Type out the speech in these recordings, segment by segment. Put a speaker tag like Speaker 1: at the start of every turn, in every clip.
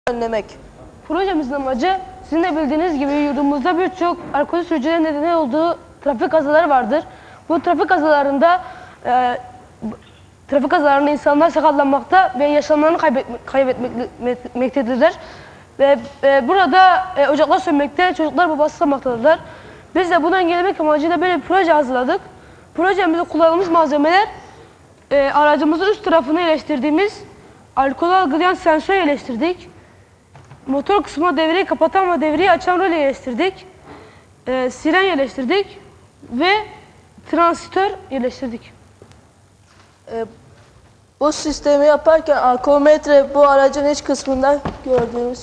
Speaker 1: önlemek.
Speaker 2: Projemizin amacı sizin de bildiğiniz gibi yurdumuzda birçok alkol sürücülerin nedeni olduğu trafik kazaları vardır. Bu trafik kazalarında insanlar sakatlanmakta ve yaşamlarını kaybetmektedirler. Ve burada ocaklar sönmekte, çocuklar babası kalmaktadırlar. Biz de bunu engellemek amacıyla böyle bir proje hazırladık. Projemizde kullandığımız malzemeler aracımızın üst tarafını yerleştirdiğimiz alkol algılayan sensör yerleştirdik. Motor kısmına devreyi kapatan ve devreyi açan röle yerleştirdik. Siren yerleştirdik ve transistör yerleştirdik.
Speaker 1: Bu sistemi yaparken alkometre bu aracın iç kısmında gördüğünüz.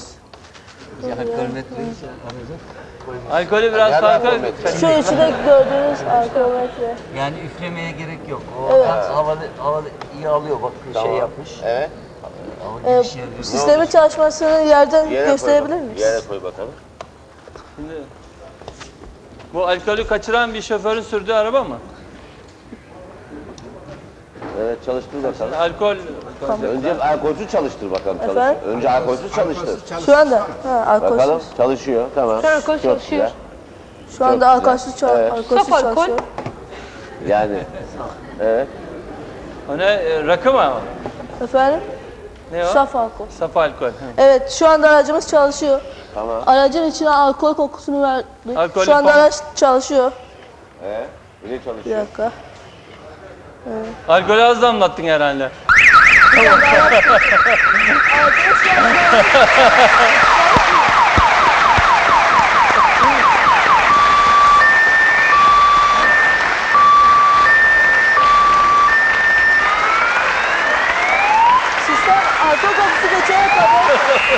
Speaker 3: Alkolü biraz farklı.
Speaker 1: Şu içinde gördüğünüz alkometre.
Speaker 4: Yani üflemeye gerek yok. O
Speaker 1: Evet.
Speaker 4: havalı iyi alıyor bak şey yapmış.
Speaker 5: Evet.
Speaker 1: Sistemin çalışmasını yerden gösterebilir miyiz?
Speaker 5: Yere koy bakalım.
Speaker 3: Şimdi, bu alkolü kaçıran bir şoförün sürdüğü araba mı?
Speaker 5: Evet, çalıştır bakalım.
Speaker 3: Alkol.
Speaker 5: Önce alkolsüz çalıştır bakalım.
Speaker 1: Efendim?
Speaker 5: Önce alkolsüz çalıştır.
Speaker 1: Şu anda.
Speaker 5: Bakalım
Speaker 1: Alkolsüz.
Speaker 5: çalışıyor. Tamam.
Speaker 2: Şu an alkol
Speaker 5: Çok
Speaker 2: çalışıyor.
Speaker 5: güzel.
Speaker 1: Şu anda
Speaker 5: Çok
Speaker 1: alkolsüz,
Speaker 5: güzel. Evet.
Speaker 1: alkolsüz
Speaker 2: Saf alkol.
Speaker 1: çalışıyor.
Speaker 5: Yani. Evet.
Speaker 3: O ne? Rakı mı?
Speaker 1: Efendim?
Speaker 3: Ne o?
Speaker 1: Saf alkol.
Speaker 3: Saf alkol. Hı.
Speaker 1: Evet, şu anda aracımız çalışıyor.
Speaker 5: Tamam.
Speaker 1: Aracın içine alkol kokusunu verdik.
Speaker 3: Alkolü
Speaker 1: Şu anda
Speaker 3: pam-
Speaker 1: araç çalışıyor.
Speaker 5: Evet. Bile
Speaker 1: Bir
Speaker 5: çalışıyor.
Speaker 1: dakika.
Speaker 3: Alkolü az damlattın herhalde.
Speaker 1: Sistem alkol kokusu geçene kadar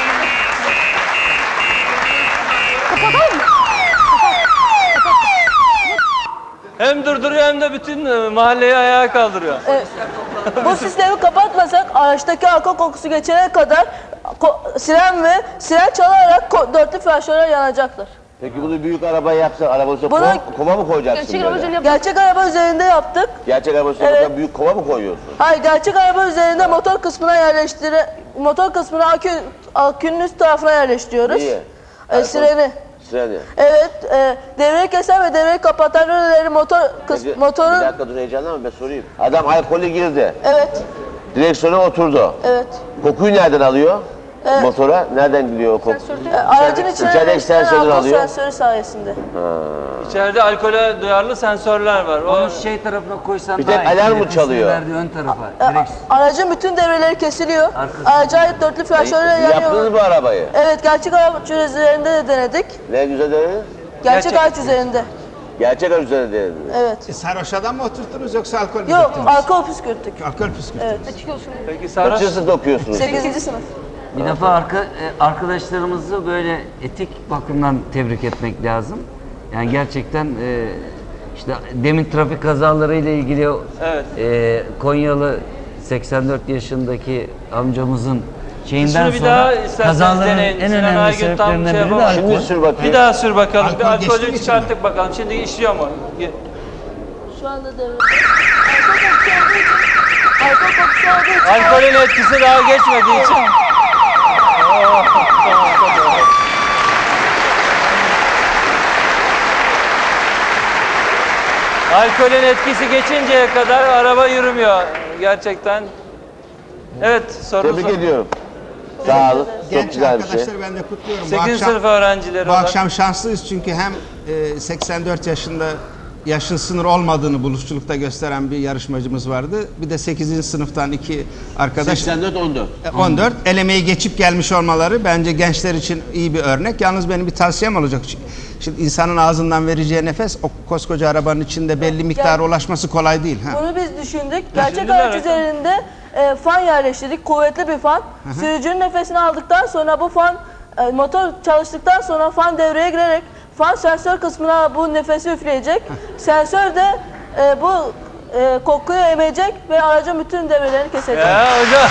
Speaker 3: Hem durduruyor hem de bütün mahalleyi ayağa kaldırıyor.
Speaker 1: bu sistemi kapatmasak araçtaki alkol kokusu geçene kadar siren çalarak dörtlü flaşörler yanacaktır.
Speaker 5: Peki bunu büyük arabaya yapsan, araba olsa
Speaker 1: Bunu-
Speaker 5: kova mı koyacaksın
Speaker 2: Gerçek
Speaker 5: böyle?
Speaker 2: arabacılık
Speaker 1: Gerçek araba üzerinde yaptık.
Speaker 5: Gerçek araba olsa
Speaker 1: Evet.
Speaker 5: büyük kova mı koyuyorsun?
Speaker 1: Hayır, gerçek araba üzerinde motor kısmına motor kısmını akünün üst tarafına yerleştiriyoruz.
Speaker 5: Niye?
Speaker 1: Sireni.
Speaker 5: Sırani.
Speaker 1: Evet, devreyi kesen ve devreyi kapatan röleleri
Speaker 5: Bir
Speaker 1: motorun...
Speaker 5: dakika dur, heyecanlanma, ben sorayım. Adam alkolü girdi.
Speaker 1: Evet,
Speaker 5: Direksiyona oturdu.
Speaker 1: evet.
Speaker 5: Kokuyu nereden alıyor? Motora nereden gidiyor o koku?
Speaker 1: Aracın içine
Speaker 5: içerideki
Speaker 1: yerleştirilen
Speaker 5: sensörden
Speaker 1: alkol
Speaker 5: alıyor.
Speaker 1: sensörü sayesinde.
Speaker 3: İçeride alkole duyarlı sensörler var. O
Speaker 4: Onu şey tarafına koysan
Speaker 5: Bir
Speaker 4: daha
Speaker 5: tek
Speaker 4: iyi.
Speaker 5: alarm mı
Speaker 4: Nefesini
Speaker 5: çalıyor?
Speaker 4: verdiği ön tarafa. Direkt
Speaker 1: Aracın bütün devreleri kesiliyor.
Speaker 4: Arkası.
Speaker 1: Araca ait dörtlü flaşörler
Speaker 5: Yaptınız
Speaker 1: yanıyor.
Speaker 5: mı arabayı?
Speaker 1: Evet, gerçek araç üzerinde de denedik.
Speaker 5: Ne güzel dediniz?
Speaker 1: Gerçek araç üzerinde.
Speaker 5: Gerçek araç üzerinde denediniz.
Speaker 1: Evet.
Speaker 6: Sarhoş adam mı oturttunuz yoksa alkol mü
Speaker 1: Yok,
Speaker 6: döktünüz?
Speaker 1: alkol püskürttük.
Speaker 6: Alkol püskürttünüz.
Speaker 1: Evet.
Speaker 3: peki sarhoş.
Speaker 5: Kaçıncı sınıfta okuyorsunuz?
Speaker 1: 8. sınıf.
Speaker 4: bir defa arkadaşlarımızı böyle etik bakımdan tebrik etmek lazım. Yani gerçekten işte demin trafik kazaları ile ilgili
Speaker 3: Evet.
Speaker 4: Konyalı 84 yaşındaki amcamızın şeyinden
Speaker 3: Şunu bir
Speaker 4: sonra
Speaker 3: daha isterseniz
Speaker 4: kazaların
Speaker 3: deneyin.
Speaker 4: en
Speaker 3: Sinan
Speaker 4: önemli
Speaker 3: Aygün tam
Speaker 4: sebeplerinden
Speaker 3: şey
Speaker 4: biri de
Speaker 3: yapamaz.
Speaker 4: alkol.
Speaker 5: Şimdi sür bakayım.
Speaker 3: Bir daha sür bakalım.
Speaker 6: Alkol
Speaker 3: Bir alkolü
Speaker 6: geçti mi
Speaker 3: çıkarttık bakalım. Şimdi işliyor mu?
Speaker 1: Şu anda devre. Alkol kokusu olduğu için...
Speaker 3: Alkolün etkisi daha geçmediği için. Alkolün etkisi geçinceye kadar araba yürümüyor gerçekten. Evet, sorunuz
Speaker 5: Tebrik ediyorum. Sağ olun. Çok
Speaker 6: Genç
Speaker 5: güzel bir şey.
Speaker 6: arkadaşları ben de kutluyorum.
Speaker 3: 8. sınıf öğrencileri
Speaker 6: bu
Speaker 3: olarak.
Speaker 6: akşam şanslıyız çünkü hem 84 yaşında yaşın sınır olmadığını buluşçulukta gösteren bir yarışmacımız vardı. Bir de 8. sınıftan iki arkadaş
Speaker 5: 84-14.
Speaker 6: 14 elemeyi geçip gelmiş olmaları bence gençler için iyi bir örnek. Yalnız benim bir tavsiyem olacak. Şimdi insanın ağzından vereceği nefes o koskoca arabanın içinde belli miktara ulaşması kolay değil. Ha.
Speaker 1: Bunu biz düşündük. Gerçek
Speaker 3: Düşündüler,
Speaker 1: araç
Speaker 3: evet.
Speaker 1: üzerinde fan yerleştirdik. Kuvvetli bir fan. Sürücünün nefesini aldıktan sonra bu fan motor çalıştıktan sonra fan devreye girerek fan sensör kısmına bu nefesi üfleyecek. Sensör de bu kokuyu emecek ve aracın bütün devrelerini kesecek.
Speaker 3: Ya hocam.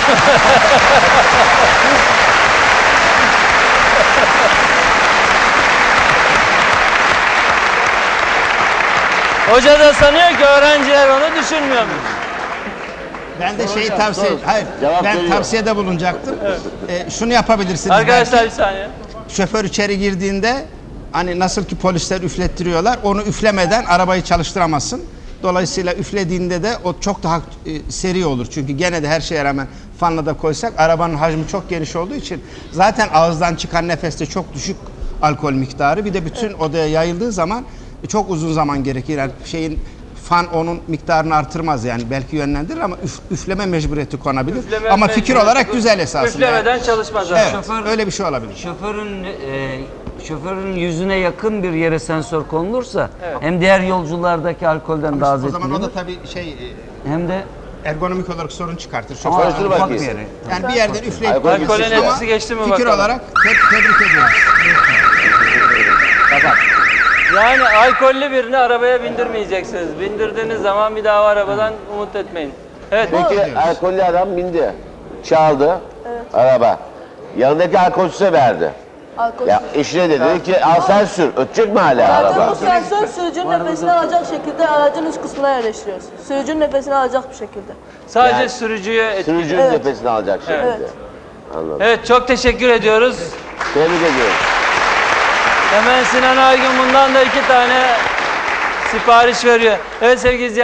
Speaker 3: Hoca da sanıyor ki öğrenciler onu düşünmüyor mu?
Speaker 6: Ben de şeyi tavsiye, hayır,
Speaker 5: Cevap
Speaker 6: ben
Speaker 5: veriyor.
Speaker 6: tavsiyede bulunacaktım. Şunu yapabilirsiniz.
Speaker 3: Arkadaşlar bir
Speaker 6: belki.
Speaker 3: saniye.
Speaker 6: Şoför içeri girdiğinde hani nasıl ki polisler üflettiriyorlar, onu üflemeden arabayı çalıştıramazsın. Dolayısıyla üflediğinde de o çok daha seri olur. Çünkü gene de her şeye rağmen fanla da koysak arabanın hacmi çok geniş olduğu için zaten ağızdan çıkan nefeste çok düşük alkol miktarı. Bir de bütün odaya yayıldığı zaman çok uzun zaman gerekir. Yani fan onun miktarını artırmaz yani belki yönlendirir ama üfleme mecburiyeti konabilir.
Speaker 3: Üfleme
Speaker 6: Ama fikir
Speaker 3: mecburiyeti-
Speaker 6: olarak güzel esasında.
Speaker 3: Üflemeden çalışmaz abi.
Speaker 6: Evet,
Speaker 4: Şoför-
Speaker 6: öyle bir şey olabilir.
Speaker 4: Şoförün yüzüne yakın bir yere sensör konulursa hem diğer yolculardaki alkolden daha az
Speaker 6: O zaman o da
Speaker 4: etkilenir
Speaker 6: tabii
Speaker 4: hem de
Speaker 6: ergonomik olarak sorun çıkartır.
Speaker 4: ama
Speaker 5: Konuştur
Speaker 4: ufak
Speaker 5: bakayım.
Speaker 4: bir yere.
Speaker 6: Yani bir yerden üfleyip
Speaker 5: Alkol
Speaker 6: koyabilirsiniz
Speaker 3: Alkolün
Speaker 6: ama
Speaker 3: etkisi geçti mi
Speaker 6: fikir
Speaker 3: bakalım.
Speaker 6: olarak tebrik ediyorum.
Speaker 3: Yani alkollü birini arabaya bindirmeyeceksiniz. Bindirdiğiniz zaman bir daha o arabadan umut etmeyin. Evet.
Speaker 5: Peki alkollü adam bindi. Çaldı araba. Yanındaki alkolsüze verdi.
Speaker 1: Alkol.
Speaker 5: Ya eşine de dedi ki al sen sür. Ötecek mi hala
Speaker 1: Zaten
Speaker 5: araba?
Speaker 1: bu sensör sürücünün nefesini alacak şekilde aracın üst kısmına yerleştiriyorsun. Sürücünün nefesini alacak bir şekilde.
Speaker 3: Sadece
Speaker 5: Yani
Speaker 3: sürücüye etkili.
Speaker 5: Sürücünün
Speaker 1: Evet.
Speaker 5: nefesini alacak şekilde.
Speaker 1: Evet.
Speaker 5: Anladım.
Speaker 3: Evet, çok teşekkür ediyoruz.
Speaker 5: Tebrik ediyorum.
Speaker 3: Hemen Sinan Aygün bundan da 2 tane sipariş veriyor. Evet sevgili izleyiciler.